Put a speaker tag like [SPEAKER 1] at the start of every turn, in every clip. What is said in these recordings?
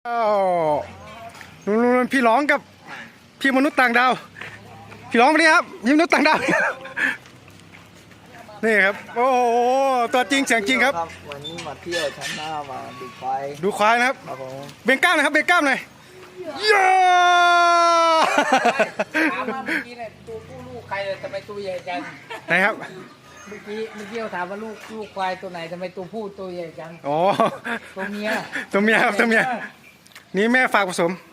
[SPEAKER 1] อ้าวนู่นพี่ร้องกับพี่มนุษย์ต่างดาวพี่ร้องมาดิครับพี่มนุษย์ต่างดาวนี่ครับโอ้โหตัวจริงเสียงจริงครับ
[SPEAKER 2] วันนี้มาเที่ยวชั้นหน้ามาดูควาย
[SPEAKER 1] ดูควายนะครับเบ่งกล้ามนะครับเบ่งกล้ามหน่อยย่า
[SPEAKER 3] ถามว่าเมื่อกี้เนี่ยตัวผู้ลูกใครเลยทำไมตัวใหญ่จัง
[SPEAKER 1] ไหนครับ
[SPEAKER 3] เมื่อกี้เราถามว่าลูกควายตัวไหนทำไมตัวผู้ตัวใหญ่จัง
[SPEAKER 1] อ๋อ
[SPEAKER 3] ตัวเมีย
[SPEAKER 1] ครับตัวเมียนี่แม่ฝากผสม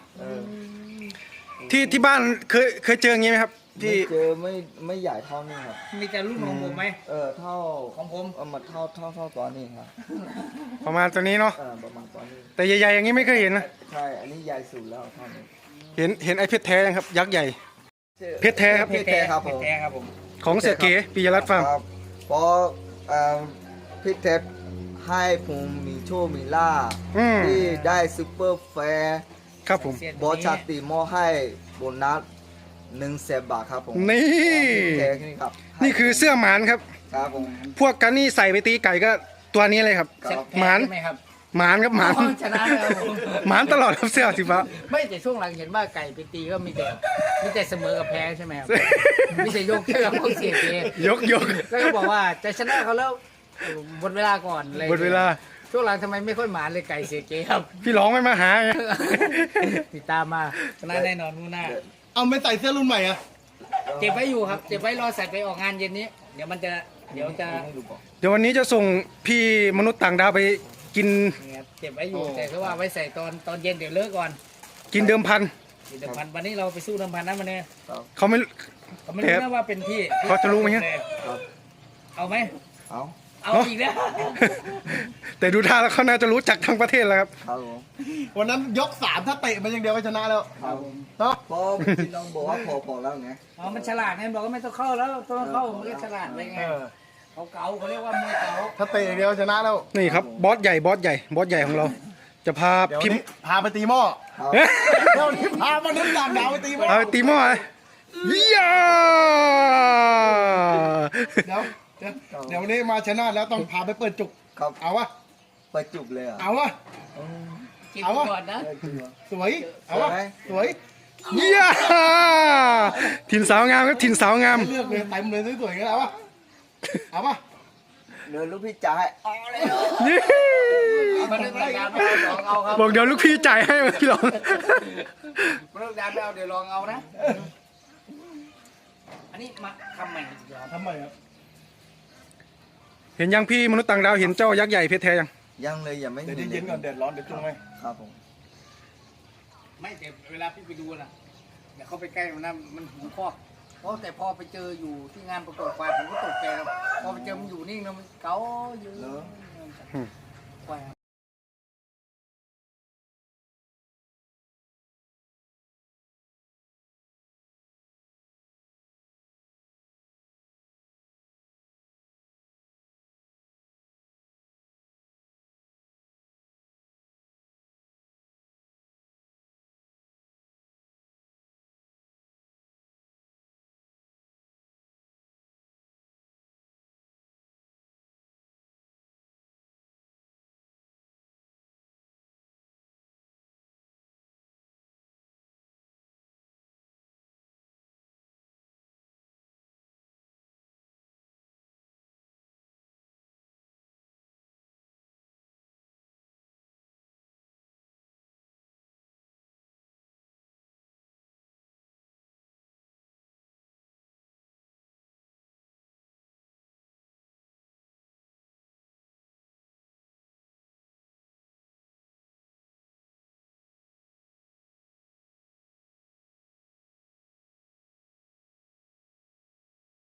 [SPEAKER 1] ที่บ้านเคยเจออย่างงี้ไหมครับที่
[SPEAKER 2] เจอไม่ใหญ่เท่านี้ครับ
[SPEAKER 3] มีแต่รุ่นของผมไหม
[SPEAKER 2] เท่า
[SPEAKER 3] ของผม
[SPEAKER 2] มาเท่าตอนนี้ครับ
[SPEAKER 1] ประมาณตัวนี้เนาะ
[SPEAKER 2] ประมาณตอนนี้
[SPEAKER 1] แต่ใหญ่ๆอย่างนี้ไม่เคยเห็นนะ
[SPEAKER 2] ใช่อันนี้ใหญ่สุดแล้วท่าน
[SPEAKER 1] เห็นไอ้เพชรแท้ยังครับยักษ์ใหญ่เพชรแท้ครับ
[SPEAKER 2] เพชรแท้ครับผม
[SPEAKER 1] ของเสียเก๋ปิยรัตน์ฟาร์ม
[SPEAKER 2] เพราะเพชรแท้ให้ผมมีโชคมีลาภที่ได้ซุปเปอร์แฟร์
[SPEAKER 1] ครับผม
[SPEAKER 2] บอสชาติมอให้โบนัส100,000 บาทครับผม
[SPEAKER 1] นี่
[SPEAKER 2] ครับ
[SPEAKER 1] นี่คือเสื้อหมานครับ
[SPEAKER 2] ครับผม
[SPEAKER 1] พวกกันนี่ใส่ไปตีไก่ก็ตัวนี้เลยครับหมานหมานครับหมาน
[SPEAKER 3] ชนะแล้ว
[SPEAKER 1] หมานตลอดครับเสื้อสีฟ้า
[SPEAKER 3] ไม่แต่ช่วงหลังเห็นว่าไก่ไปตีก็มีแต่เสมอกับแพ้ใช่ไหมครับไม่ใช่ยกเชือกพวกเสียเก
[SPEAKER 1] ยก
[SPEAKER 3] แล้วก็บอกว่าจะชนะเขาแล้วหมดเวลาก่อนเลย
[SPEAKER 1] หมดเวลา
[SPEAKER 3] ช่วงหลังทำไมไม่ค่อยหมานเลยไก่เสียเกครับ
[SPEAKER 1] พี่ร้องไม่มาหา
[SPEAKER 3] ติดตามมาชนะแน่นอนนู่นหน้า
[SPEAKER 1] เอาไม่ใส่เสื้อรุ่นใหม่อะ
[SPEAKER 3] เก็บไว้อยู่ครับเก็บไว้รอใส่ไปออกงานเย็นนี้เดี๋ยว
[SPEAKER 1] วันนี้จะส่งพี่มนุษย์ต่างดาวไปกิน
[SPEAKER 3] เก็บไว้อยู่แต่เขาว่าไว้ใส่ตอนเย็นเดี๋ยวเลิกก่อน
[SPEAKER 1] กินเดิมพัน
[SPEAKER 3] วันนี้เราไปสู้เดิมพันนะวันนี้
[SPEAKER 1] เขาไม่
[SPEAKER 3] รู้นะว่าเป็นพี่
[SPEAKER 1] เขาจะรู้ไหมฮะ
[SPEAKER 3] เอาไหมเอาอีกแล้ว
[SPEAKER 1] แต่ดูท่าแล้วเขาน่าจะรู้จักทั้งประเทศแล้วครับ
[SPEAKER 4] วันนั้นยก3ถ้าเตะมันอย่างเดียวก็ชนะแล้ว
[SPEAKER 2] เนาะพอพี่น้องบอกว่าพอแล้วไง
[SPEAKER 3] มันฉลาดไงบอกว่าไม่ต้องเข้าแล้วต้องเข้ามันก็ฉลาดเลยไงเขาเรียกว่ามวยเก๋า
[SPEAKER 4] ถ้าเตะอย่างเดียวชนะแล้ว
[SPEAKER 1] นี่ครับบอสใหญ่ของเราจะพาพิมพ์
[SPEAKER 4] พาไปตีหม้อเดี๋ยวนี้พามาน้ำดำดาวไปตีหม้อ
[SPEAKER 1] ตีหม้อย่า
[SPEAKER 4] เดี๋ยววันนี้มาชนะแล้วต้องพาไปเปิดจุกเอาวะ
[SPEAKER 2] เปิดจุกเลย
[SPEAKER 4] เอาวะ
[SPEAKER 3] เอาวะ
[SPEAKER 4] สวยเอาวะสวย
[SPEAKER 1] ย่าถิ่นสาวงามครับถิ่นสาวงาม
[SPEAKER 4] เลือกเลยเต็มเลยสวยๆกันเอาวะ
[SPEAKER 2] เดินลูกพี่จ่าย
[SPEAKER 1] บอกเดี๋ยวลูกพี่จ่ายให้พี่ลอง
[SPEAKER 3] เลิกดานแล้วเดี๋ยวลองเอานะอันนี้มาทำใหม่
[SPEAKER 4] ครับ
[SPEAKER 1] เห็นยังพี่มนุษย์ต่างดาวเห็นเจ้ายักษ์ใหญ่เพชรแท้
[SPEAKER 2] ยังเลยยังไม่
[SPEAKER 4] เดี๋ยวเย็นก่อนเดือดร้อนเดี๋ยวจุ่มไหม
[SPEAKER 2] ครับผม
[SPEAKER 3] ไม่แต่เวลาพี่ไปดูนะเดี๋ยวเขาไปใกล้มันนะมันหูคอกแต่พอไปเจออยู่ที่งานประกวดควายผมก็ตกใจแล้วพอไปเจอมันอยู่นิ่งแล้วมันเก๋าอยู่ควาย